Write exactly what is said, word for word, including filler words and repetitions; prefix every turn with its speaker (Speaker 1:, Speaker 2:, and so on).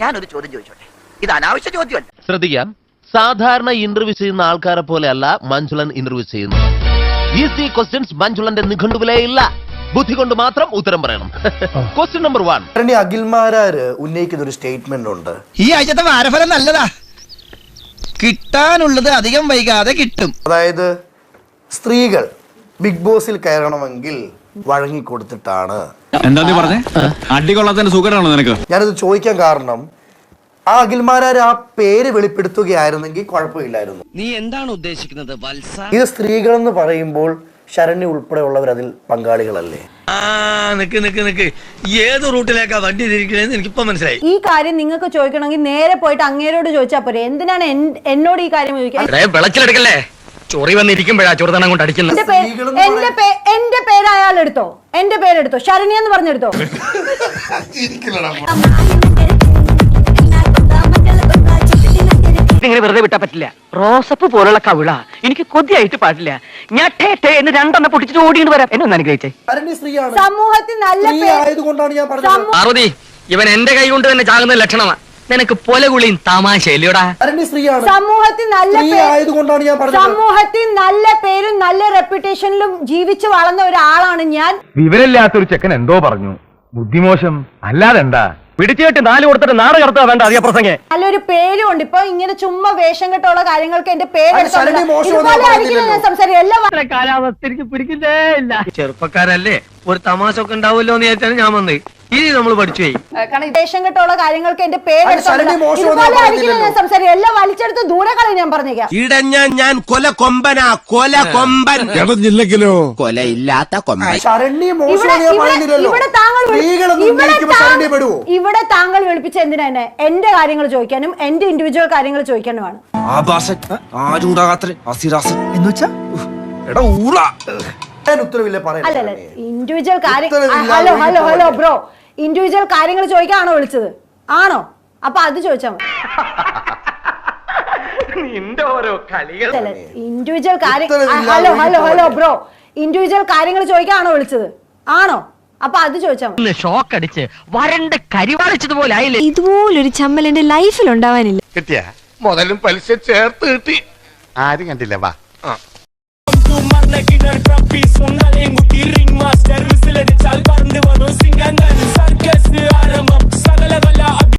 Speaker 1: ഞാനൊരു ചോദ്യം ചോദിച്ചോട്ടെ, ഇത് അനാവശ്യ ചോദ്യമല്ല.
Speaker 2: ശ്രദ്ധിക്കാം. സാധാരണ ഇന്റർവ്യൂ ചെയ്യുന്ന ആൾക്കാരെ പോലെയല്ല മഞ്ജുളൻ ഇന്റർവ്യൂ ചെയ്യുന്നത്. ഈസി ക്വസ്റ്റ്യൻസ് മഞ്ജുളന്റെ നിഘണ്ടുവിലേ ഇല്ല. ബുദ്ധി കൊണ്ട് മാത്രം ഉത്തരം പറയണം. Question number one.
Speaker 3: അഖിൽമാരാര് ഉന്നയിക്കുന്ന ഒരു സ്റ്റേറ്റ്മെന്റ് ഉണ്ട്.
Speaker 4: ഈ ആഴ്ചത്തെ വാരഫലം നല്ലതാ, കിട്ടാനുള്ളത് അധികം വൈകാതെ കിട്ടും.
Speaker 3: അതായത് സ്ത്രീകൾ ബിഗ് ബോസിൽ കയറണമെങ്കിൽ വഴങ്ങിക്കൊടുത്തിട്ടാണ്.
Speaker 5: എന്താ നീ പറഞ്ഞേ? അടികൊള്ളാത്തതിന്റെ സുഖമാണോ നിനക്ക്?
Speaker 3: ഞാനിത് ചോദിക്കാൻ കാരണം ആ അഖിൽമാരാര് ആ പേര് വെളിപ്പെടുത്തുകയായിരുന്നെങ്കിൽ കുഴപ്പമില്ലായിരുന്നു.
Speaker 4: നീ എന്താണ് ഉദ്ദേശിക്കുന്നത് വത്സ?
Speaker 3: ഇത് സ്ത്രീകളെന്ന് പറയുമ്പോൾ ശരണ്യ ഉൾപ്പെടെയുള്ളവർ അതിൽ പങ്കാളികളല്ലേ?
Speaker 6: ആ നിക്ക് നിക്ക് നിക്ക് ഏത് റൂട്ടിലേക്കാ വണ്ടി തിരിക്കണേന്ന് എനിക്കിപ്പോ മനസ്സിലായി.
Speaker 7: ഈ കാര്യം നിങ്ങൾക്ക് ചോദിക്കണമെങ്കിൽ നേരെ പോയിട്ട് അങ്ങേരോട് ചോദിച്ചാൽ പോരെ. എന്തിനാണ് എന്നോട് ഈ കാര്യം ചോദിക്കാൻ?
Speaker 6: വിളക്കിലെടുക്കല്ലേ, ചൊറി വന്നിരിക്കുമ്പോഴാ ചൊറുതണം കൊണ്ട് അടിക്കുന്നത്.
Speaker 7: എന്റെ പേര് അയാൾ എടുത്തോ, എന്റെ പേരെടുത്തോ, ശരണ്യ എന്ന് പറഞ്ഞെടുത്തോ.
Speaker 1: ഇങ്ങനെ വെറുതെ വിട്ടാ പറ്റില്ല. റോസപ്പ് പോലുള്ള കവിള എനിക്ക് കൊതിയായിട്ട് പാടില്ല. ഞാൻ ടേ ടേ എന്ന് രണ്ടെണ്ണം പൊട്ടിച്ചിട്ട് ഓടിയിട്ട് വരാം. എന്നെ ഒന്ന് അനുഗ്രഹിച്ചേ.
Speaker 7: സമൂഹത്തിൽ നല്ല
Speaker 3: ആയതുകൊണ്ടാണ് ഞാൻ പറഞ്ഞത്.
Speaker 6: പാർവതി, ഇവൻ എന്റെ കൈ കൊണ്ട് തന്നെ ചാകുന്ന ലക്ഷണമാ. നിനക്ക് പൊലകുളിയും തമാശയില്ലടാ.
Speaker 7: സമൂഹത്തിൽ നല്ല
Speaker 3: ആയതുകൊണ്ടാണ് ഞാൻ പറഞ്ഞത്.
Speaker 7: സമൂഹത്തിൽ നല്ല പേരും നല്ല റെപ്യൂട്ടേഷനിലും ജീവിച്ചു വളർന്ന ഒരാളാണ് ഞാൻ.
Speaker 2: വിവരമില്ലാത്തൊരു ചെക്കൻ എന്തോ പറഞ്ഞു, ബുദ്ധിമോശം അല്ലാതെ എന്താ? പിടിച്ചുകെട്ടി നാല് കൊടുത്തിട്ട് നാട് കടത്താ വേണ്ട അധിക പ്രസംഗം.
Speaker 7: നല്ലൊരു പേരും ഉണ്ട്. ഇപ്പൊ ഇങ്ങനെ ചുമ്മാ വേഷം കെട്ടുള്ള കാര്യങ്ങൾക്ക് എന്റെ പേര്
Speaker 1: കാലാവസ്ഥ എനിക്ക് പിടിക്കുന്നേ ഇല്ല.
Speaker 6: ചെറുപ്പക്കാരല്ലേ, ഒരു തമാശ ഒക്കെ ഉണ്ടാവുമല്ലോ എന്ന് വിചാരിച്ചാണ് ഞാൻ വന്നത്. ഇനി നമ്മൾ പഠിച്ചു പോയി.
Speaker 7: വേഷം കെട്ടുള്ള കാര്യങ്ങൾക്ക് എന്റെ പേര് സംസാരിക്കും. എല്ലാം വലിച്ചെടുത്ത് ദൂരെ കളയും. ഞാൻ പറഞ്ഞേക്കാം,
Speaker 4: ഇടഞ്ഞ ഞാൻ കൊല കൊമ്പനാ, കൊല കൊമ്പൻ ജില്ലക്കിലോ കൊലയില്ലാത്ത കൊമ്പൻ.
Speaker 7: ഇവിടെ താങ്കൾ ഇവിടെ താങ്കൾ വിളിപ്പിച്ച എന്തിനാ എന്നെ? എന്റെ കാര്യങ്ങൾ ചോദിക്കാനും എന്റെ ഇൻഡിവിജ്വൽ കാര്യങ്ങൾ ചോദിക്കാനുമാണ്. അല്ലല്ല, ഇൻഡിവിജ്വൽ കാര്യം. Hello hello hello bro, individual കാര്യങ്ങൾ ചോദിക്കാണോ വിളിച്ചത്? ആണോ? അപ്പൊ അത് ചോദിച്ചാ മതി. ഇൻഡിവിജ്വൽ കാര്യം. Hello hello hello bro, individual കാര്യങ്ങൾ ചോദിക്കാണോ വിളിച്ചത്? ആണോ? അപ്പൊ അത് ചോദിച്ചാ മതി.
Speaker 1: ഷോക്ക് അടിച്ച് വരണ്ട് കരിവാളിച്ചതുപോലെ ആയില്ലേ?
Speaker 8: ഇതുപോലൊരു ചമ്മൽ എന്റെ ലൈഫിൽ ഉണ്ടാവാനില്ല.
Speaker 9: കിട്ടിയ മുതലും പലിശ ചേർത്ത് കിട്ടി. ആരും കണ്ടില്ല. വാ